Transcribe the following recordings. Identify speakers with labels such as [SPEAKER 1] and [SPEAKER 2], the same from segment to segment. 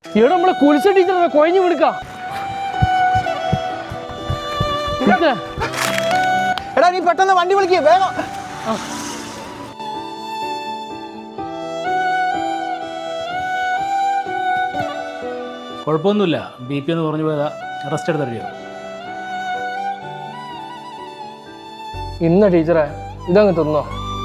[SPEAKER 1] ഇവിടെ നമ്മളെ കുലിച്ച ടീച്ചർ കൊഴഞ്ഞു വിടുക്കാം.
[SPEAKER 2] എടാ നീ പെട്ടെന്ന് വണ്ടി വിളിക്കുക വേഗം.
[SPEAKER 1] കുഴപ്പമൊന്നുമില്ല, BP എന്ന് പറഞ്ഞു പോയതാ. റെസ്റ്റ് എടുത്തറിയോ? ഇന്ന ടീച്ചറെ ഇതങ്ങ് തിന്നോ.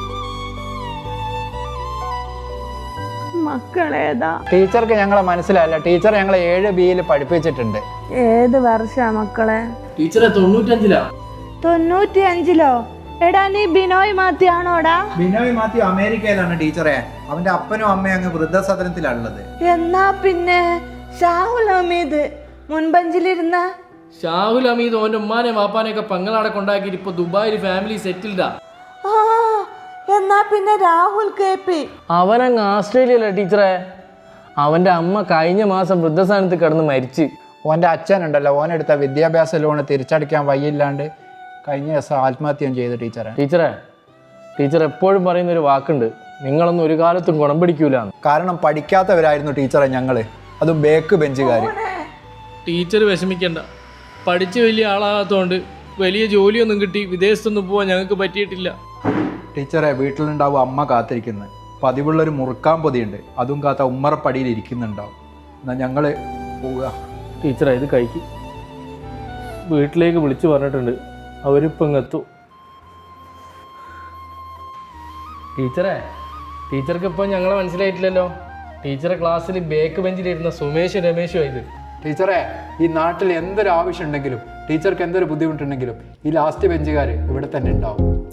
[SPEAKER 3] മക്കളേതാ?
[SPEAKER 2] ടീച്ചർക്ക് ഞങ്ങളെ മനസ്സിലായില്ല. ടീച്ചർ ഞങ്ങളെ 7B പഠിപ്പിച്ചിട്ടുണ്ട്.
[SPEAKER 3] ഏത് വർഷാ മക്കളെ?
[SPEAKER 1] ടീച്ചറെ 95-ലാ.
[SPEAKER 3] 95-ലോ? എടാ നീ ബിനോയ് മാത്യു ആണോടാ?
[SPEAKER 2] ബിനോയ് മാത്യു അമേരിക്കയിലാണ് ടീച്ചറെ. അവന്റെ അപ്പനും അമ്മയും അങ്ങ് വൃദ്ധസദനത്തിലാണുള്ളത്.
[SPEAKER 3] എന്നാ പിന്നെ ഷാഹുൽ ഹമീദ് മുൻപഞ്ചിലിരുന്ന
[SPEAKER 1] ഷാഹുൽ ഹമീദ് ഓന്റെ ഉമ്മാനെ വാപ്പാനെയൊക്കെ പങ്ങളാടെ കൊണ്ടാക്കിയിട്ട് ഇപ്പൊ ദുബായിൽ ഫാമിലി സെറ്റിൽഡാ.
[SPEAKER 3] എന്നാ പിന്നെ രാഹുൽ KP
[SPEAKER 1] അവനങ്ങ് ആസ്ട്രേലിയയില ടീച്ചറെ. അവന്റെ അമ്മ കഴിഞ്ഞ മാസം വൃദ്ധസ്ഥാനത്ത് കിടന്ന് മരിച്ച്.
[SPEAKER 2] ഓൻ്റെ അച്ഛനുണ്ടല്ലോ, ഓനെടുത്ത വിദ്യാഭ്യാസ ലോണ് തിരിച്ചടയ്ക്കാൻ വയ്യില്ലാണ്ട് കഴിഞ്ഞ ദിവസം ആത്മഹത്യം ചെയ്തു ടീച്ചറെ.
[SPEAKER 1] ടീച്ചർ എപ്പോഴും പറയുന്നൊരു വാക്കുണ്ട്, നിങ്ങളൊന്നും ഒരു കാലത്തും ഗുണം പിടിക്കൂല.
[SPEAKER 2] കാരണം പഠിക്കാത്തവരായിരുന്നു ടീച്ചറെ ഞങ്ങള്, അതും ബേക്ക് ബെഞ്ചുകാർ.
[SPEAKER 1] ടീച്ചർ വിഷമിക്കണ്ട, പഠിച്ച് വലിയ ആളാകാത്തതുകൊണ്ട് വലിയ ജോലിയൊന്നും കിട്ടി വിദേശത്തൊന്നും പോവാൻ ഞങ്ങൾക്ക് പറ്റിയിട്ടില്ല.
[SPEAKER 2] ടീച്ചറെ വീട്ടിലുണ്ടാവും അമ്മ കാത്തിരിക്കുന്നത്. പതിവുള്ളൊരു മുറുക്കാൻ പൊതിയുണ്ട്, അതും കാത്ത ഉമ്മറപ്പടിയിൽ ഇരിക്കുന്നുണ്ടാവും. എന്നാൽ ഞങ്ങൾ പോവുക.
[SPEAKER 1] ടീച്ചറെ ഇത് കഴിക്കും. വീട്ടിലേക്ക് വിളിച്ചു പറഞ്ഞിട്ടുണ്ട്, അവരിപ്പം ഇങ്ങെത്തു. ടീച്ചർക്ക് ഇപ്പം ഞങ്ങളെ മനസ്സിലായിട്ടില്ലല്ലോ. ടീച്ചറെ ക്ലാസ്സിൽ ബേക്ക് ബെഞ്ചിലിരുന്ന സുമേഷും രമേശും ഇത്.
[SPEAKER 2] ടീച്ചറെ ഈ നാട്ടിൽ എന്തൊരു ആവശ്യം ഉണ്ടെങ്കിലും ടീച്ചർക്ക് എന്തൊരു ബുദ്ധിമുട്ടുണ്ടെങ്കിലും ഈ ലാസ്റ്റ് ബെഞ്ചുകാർ ഇവിടെ തന്നെ ഉണ്ടാവും.